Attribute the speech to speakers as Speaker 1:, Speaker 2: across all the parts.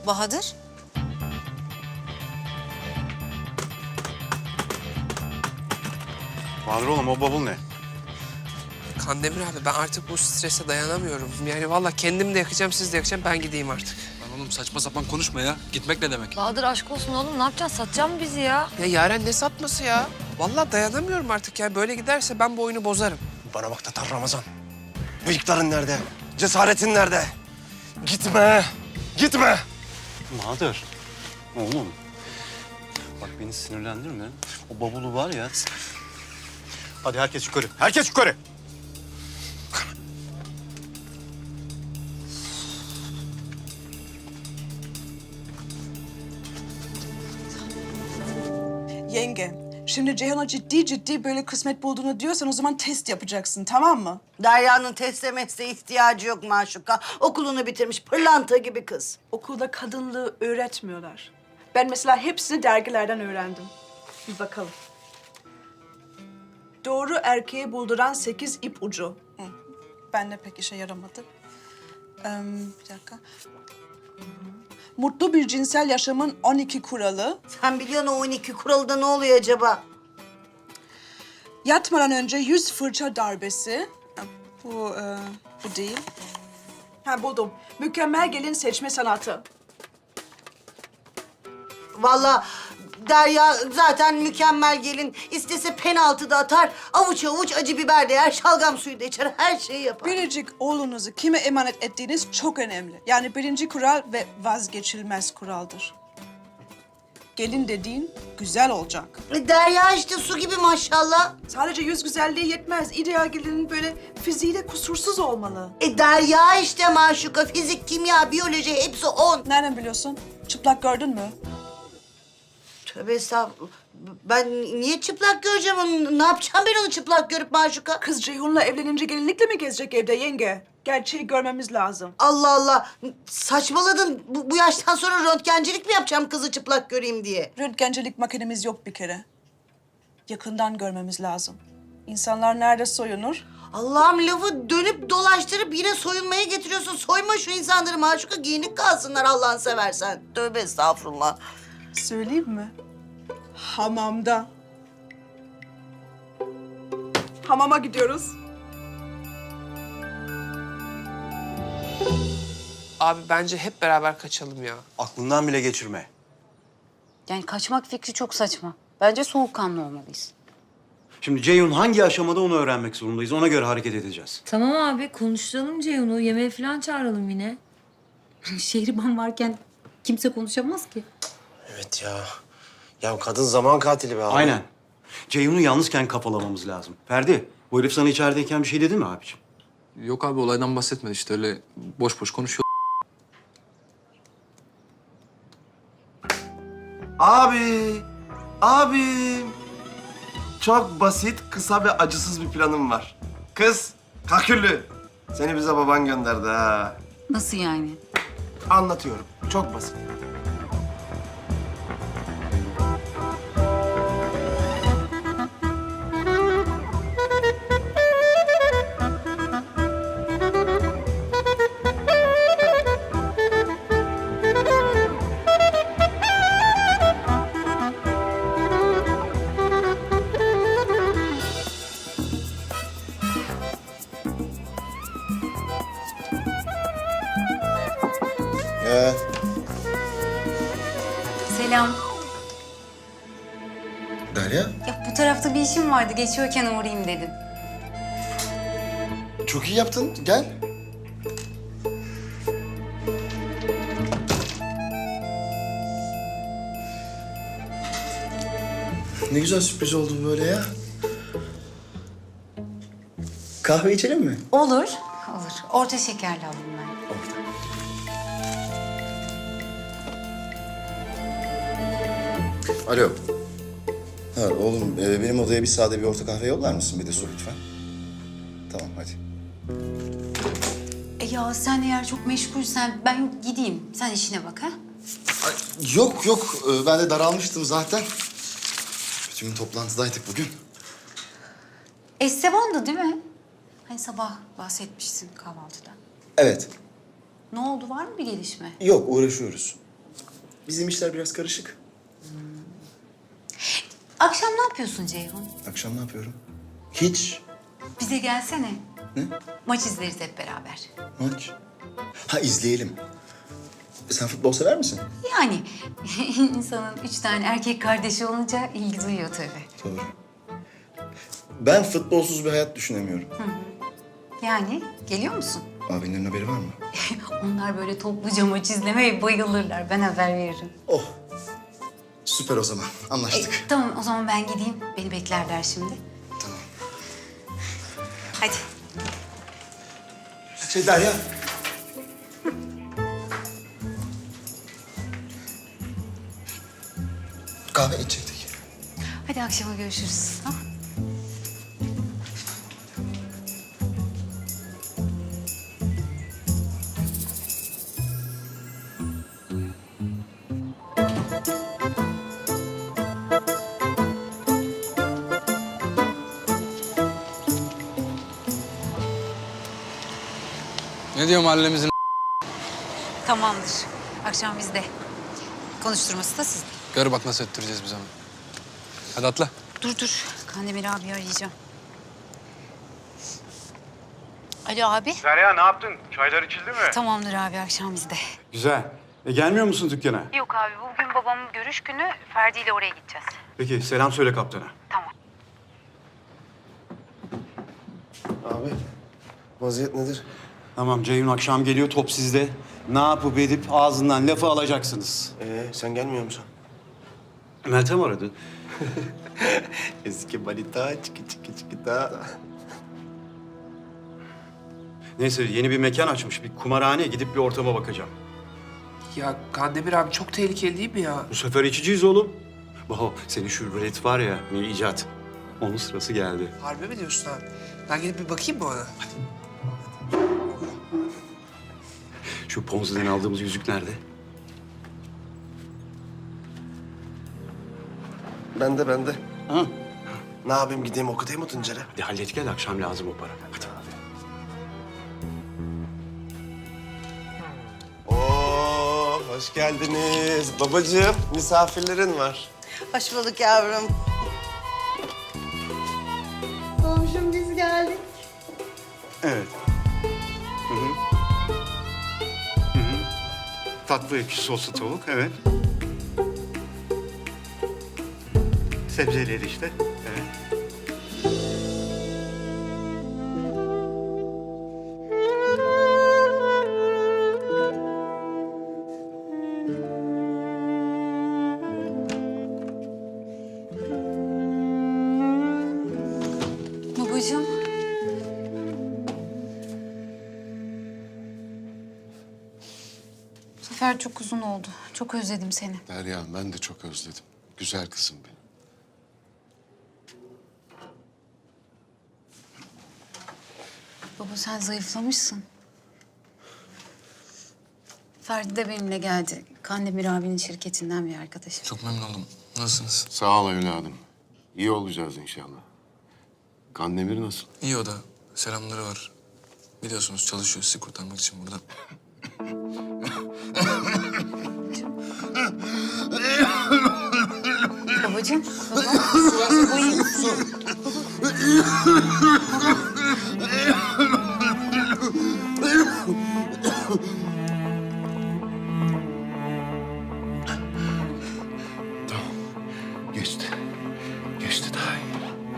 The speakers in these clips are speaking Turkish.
Speaker 1: Bahadır?
Speaker 2: Bahadır oğlum o bavul ne?
Speaker 3: Kandemir abi ben artık bu strese dayanamıyorum. Yani vallahi kendim de yakacağım, siz de yakacağım. Ben gideyim artık.
Speaker 4: Lan oğlum saçma sapan konuşma ya. Gitmek ne demek?
Speaker 5: Bahadır aşk olsun oğlum, ne yapacaksın? Satacak mı bizi ya?
Speaker 3: Ya Yaren ne satması ya? Vallahi dayanamıyorum artık ya. Böyle giderse ben bu oyunu bozarım.
Speaker 6: Bana bak Tatar Ramazan. Bıyıkların nerede? Cesaretin nerede? Gitme! Gitme!
Speaker 2: Bahadır. Oğlum. Bak beni sinirlendirme. O bavulu var ya. Hadi herkes yukarı. Herkes yukarı.
Speaker 7: Yenge, şimdi Ceyhun'a ciddi böyle kısmet bulduğunu diyorsan o zaman test yapacaksın, tamam mı?
Speaker 8: Derya'nın teste mesle ihtiyacı yok Maşuka. Okulunu bitirmiş pırlanta gibi kız.
Speaker 7: Okulda kadınlığı öğretmiyorlar. Ben mesela hepsini dergilerden öğrendim. Bir bakalım. Doğru erkeği bulduran 8 ip ucu. Hı. Ben de pek işe yaramadı. Bir dakika. Mutlu bir cinsel yaşamın 12 kuralı.
Speaker 8: Sen biliyorsun o 12 kuralda ne oluyor acaba?
Speaker 7: Yatmadan önce 100 fırça darbesi. Bu değil. Ha buldum. Mükemmel gelin seçme sanatı.
Speaker 8: Vallahi Derya zaten mükemmel gelin. İstese penaltı da atar, avuç avuç acı biber de yer, şalgam suyu da içer, her şeyi yapar.
Speaker 7: Biricik oğlunuzu kime emanet ettiğiniz çok önemli. Yani birinci kural ve vazgeçilmez kuraldır. Gelin dediğin güzel olacak.
Speaker 8: Derya işte su gibi maşallah.
Speaker 7: Sadece yüz güzelliği yetmez. İdeal gelinin böyle fiziği de kusursuz olmalı.
Speaker 8: Derya işte Maşuka. Fizik, kimya, biyoloji hepsi 10.
Speaker 7: Nereden biliyorsun? Çıplak gördün mü?
Speaker 8: Tövbe estağfurullah. Ben niye çıplak göreceğim onu? Ne yapacağım ben onu çıplak görüp Maşuka?
Speaker 7: Kız Ceyhun'la evlenince gelinlikle mi gezecek evde yenge? Gerçeği görmemiz lazım.
Speaker 8: Allah Allah. Saçmaladın. Bu yaştan sonra röntgencilik mi yapacağım kızı çıplak göreyim diye?
Speaker 7: Röntgencilik makinemiz yok bir kere. Yakından görmemiz lazım. İnsanlar nerede soyunur?
Speaker 8: Allah'ım lafı dönüp dolaştırıp yine soyunmaya getiriyorsun. Soyma şu insanları Maşuka, giyinik kalsınlar Allah'ını seversen. Tövbe estağfurullah.
Speaker 7: Söyleyeyim mi? Hamamda. Hamama gidiyoruz.
Speaker 3: Abi bence hep beraber kaçalım ya.
Speaker 2: Aklından bile geçirme.
Speaker 1: Yani kaçmak fikri çok saçma. Bence soğukkanlı olmalıyız.
Speaker 2: Şimdi Ceyhun hangi aşamada onu öğrenmek zorundayız. Ona göre hareket edeceğiz.
Speaker 5: Tamam abi, konuşturalım Ceyhun'u. Yemeğe falan çağıralım yine.
Speaker 1: Şehriban varken kimse konuşamaz ki.
Speaker 6: Evet ya. Ya kadın zaman katili be abi.
Speaker 2: Aynen. Ceyhun'u yalnızken kafalamamız lazım. Ferdi, bu herif sana içerideyken bir şey dedi mi abiciğim?
Speaker 4: Yok abi olaydan bahsetmedi işte öyle boş boş konuşuyor.
Speaker 6: Abim. Çok basit, kısa ve acısız bir planım var. Kız, kaküllü. Seni bize baban gönderdi ha.
Speaker 1: Nasıl yani?
Speaker 6: Anlatıyorum. Çok basit.
Speaker 1: Selam.
Speaker 6: Derya,
Speaker 1: Ya bu tarafta bir işim vardı. Geçiyorken uğrayayım dedim.
Speaker 6: çok iyi yaptın. Gel. Ne güzel sürpriz oldu bu böyle ya. Kahve içelim mi?
Speaker 1: Olur. Olur. Orta şekerli alayım ben.
Speaker 6: Orada. Alo. Ha oğlum benim odaya bir sade bir orta kahve yollar mısın? Bir de su lütfen. Tamam hadi.
Speaker 1: Ya sen eğer çok meşgulsen ben gideyim. Sen işine bak ha.
Speaker 6: Yok ben de daralmıştım zaten. Bütün gün toplantıdaydık bugün.
Speaker 1: Esteban'dı değil mi? Hani sabah bahsetmişsin kahvaltıda.
Speaker 6: Evet.
Speaker 1: Ne oldu? Var mı bir gelişme?
Speaker 6: Yok uğraşıyoruz.
Speaker 9: Bizim işler biraz karışık.
Speaker 1: Akşam ne yapıyorsun Ceyhun?
Speaker 9: Akşam ne yapıyorum? Hiç.
Speaker 1: Bize gelsene.
Speaker 9: Ne?
Speaker 1: Maç izleriz hep beraber.
Speaker 9: Maç. Ha izleyelim. Sen futbol sever misin?
Speaker 1: Yani insanın 3 tane erkek kardeşi olunca ilgi duyuyor tabii.
Speaker 9: Doğru. Ben futbolsuz bir hayat düşünemiyorum.
Speaker 1: Yani geliyor musun?
Speaker 9: Abinin haberi var mı?
Speaker 1: Onlar böyle topluca maç izlemeye bayılırlar. Ben haber veririm.
Speaker 9: Oh. Süper o zaman. Anlaştık.
Speaker 1: Tamam o zaman ben gideyim. Beni beklerler şimdi.
Speaker 9: Tamam.
Speaker 1: Hadi.
Speaker 9: Derya. Kahve içecektik.
Speaker 1: Hadi akşama görüşürüz. Ha?
Speaker 4: Ne diyor mahallemizin?
Speaker 1: Tamamdır. Akşam bizde. Konuşturması da sizde.
Speaker 4: Gör bak nasıl ettireceğiz biz onu. Hadi atla.
Speaker 1: Dur. Kandemir abi arayacağım. Alo abi.
Speaker 2: Derya ne yaptın? Çaylar içildi mi?
Speaker 1: Tamamdır abi akşam bizde.
Speaker 2: Güzel. Gelmiyor musun dükkana?
Speaker 1: Yok abi bugün babamın görüş günü. Ferdi ile oraya gideceğiz.
Speaker 2: Peki selam söyle kaptana.
Speaker 1: Tamam.
Speaker 6: Abi, vaziyet nedir?
Speaker 2: Tamam Ceyhun akşam geliyor top sizde. Ne yapıp edip ağzından lafı alacaksınız.
Speaker 6: Sen gelmiyor musun?
Speaker 2: Meltem aradı.
Speaker 6: Eski balita, çiki çiki çiki da.
Speaker 2: Neyse yeni bir mekan açmış. Bir kumarhane gidip bir ortama bakacağım.
Speaker 3: Ya Kandemir abi çok tehlikeli değil mi ya?
Speaker 2: Bu sefer içeceğiz oğlum. Baho senin şu rulet var ya bir icat. Onun sırası geldi.
Speaker 3: Harbi mi diyorsun abi? Ben gidip bir bakayım mı ona?
Speaker 2: Şu Ponzi'den aldığımız yüzük nerede?
Speaker 6: Bende.
Speaker 2: Ha?
Speaker 6: Ne yapayım gideyim okutayım mı Tuncer'e?
Speaker 2: Hadi hallet gel akşam lazım o para. Hadi.
Speaker 6: Oo, hoş geldiniz. Babacığım, misafirlerin var.
Speaker 8: Hoş bulduk yavrum. Komşum biz geldik.
Speaker 2: Evet. Tatlı ekşi soslu tavuk, evet. Sebzeleri işte, evet.
Speaker 1: Babacığım. Bu sefer çok uzun oldu. Çok özledim seni.
Speaker 10: Derya ben de çok özledim. Güzel kızım benim.
Speaker 1: Baba sen zayıflamışsın. Ferdi de benimle geldi. Kandemir abinin şirketinden bir arkadaşım.
Speaker 4: Çok memnun oldum. Nasılsınız?
Speaker 10: Sağ ol evladım. İyi olacağız inşallah. Kandemir nasıl?
Speaker 4: İyi o da. Selamları var. Biliyorsunuz çalışıyor sizi kurtarmak için burada.
Speaker 1: Babacığım. Baba iyi misin?
Speaker 10: Tamam. Geçti. Geçti daha iyi.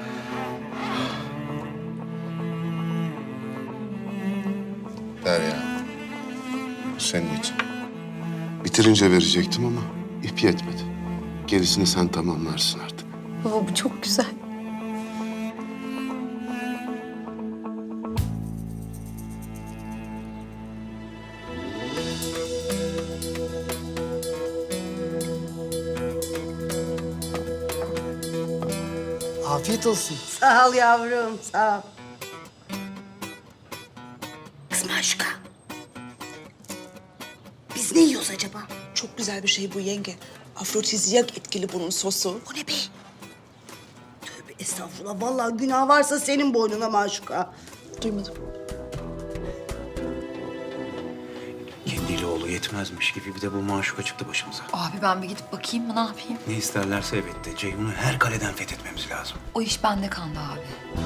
Speaker 10: Derya. Senin için. Bitirince verecektim ama ip yetmedi. Gerisini sen tamamlarsın artık.
Speaker 1: Baba bu çok güzel.
Speaker 8: Afiyet olsun. Sağ ol yavrum, sağ ol. Kız Maşka. Biz ne yiyoruz acaba?
Speaker 7: Çok güzel bir şey bu yenge. Afrodizyak etkili bunun sosu.
Speaker 8: O ne be? Tövbe estağfurullah. Vallahi günah varsa senin boynuna Maşuka.
Speaker 7: Duymadım.
Speaker 2: Kendili oğlu yetmezmiş gibi bir de bu maşuka çıktı başımıza.
Speaker 11: Abi ben bir gidip bakayım mı, ne yapayım?
Speaker 2: Ne isterlerse evet de Ceyhun'u her kaleden fethetmemiz lazım.
Speaker 11: O iş bende kaldı abi.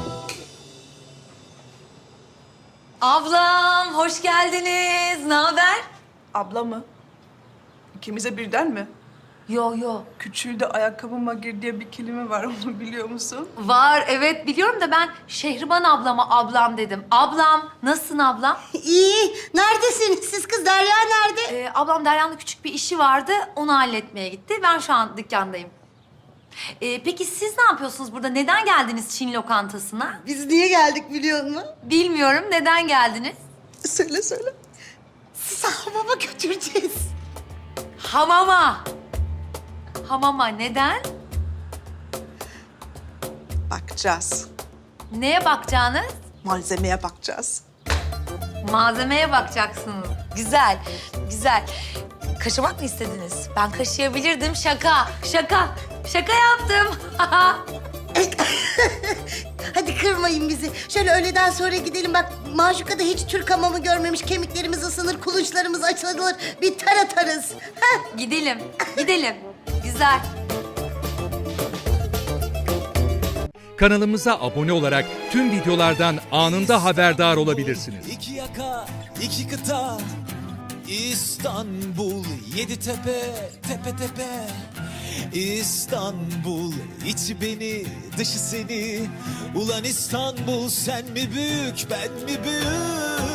Speaker 11: Ablam, hoş geldiniz. Ne haber?
Speaker 7: Abla mı? İkimize birden mi?
Speaker 11: Yo.
Speaker 7: Küçüğü de ayakkabıma gir diye bir kelime var, onu biliyor musun?
Speaker 11: Var, evet biliyorum da ben Şehriban ablama ablam dedim. Ablam, nasılsın ablam?
Speaker 8: İyi. Neredesiniz siz kız? Derya nerede?
Speaker 11: Ablam Derya'nın küçük bir işi vardı, onu halletmeye gitti. Ben şu an dükkandayım. Peki siz ne yapıyorsunuz burada? Neden geldiniz Çin lokantasına?
Speaker 8: Biz niye geldik biliyor musun?
Speaker 11: Bilmiyorum, neden geldiniz?
Speaker 7: Söyle.
Speaker 8: Sizi hamama götüreceğiz.
Speaker 11: Hamama. Hamama neden?
Speaker 7: Bakacağız.
Speaker 11: Neye bakacağınız?
Speaker 7: Malzemeye bakacağız.
Speaker 11: Malzemeye bakacaksınız. Güzel, güzel. Kaşımak mı istediniz? Ben kaşıyabilirdim. Şaka yaptım.
Speaker 8: Hadi kırmayın bizi. Şöyle öğleden sonra gidelim. Bak Maşuka'da hiç Türk hamamı görmemiş. Kemiklerimiz ısınır, kulunçlarımız açılır. Bir ter atarız. Heh.
Speaker 11: Gidelim. Güzel.
Speaker 12: Kanalımıza abone olarak tüm videolardan anında haberdar olabilirsiniz.
Speaker 13: İki yaka, iki kıta, İstanbul, yedi tepe, tepe tepe. İstanbul, içi beni, dışı seni. Ulan İstanbul, sen mi büyük, ben mi büyük?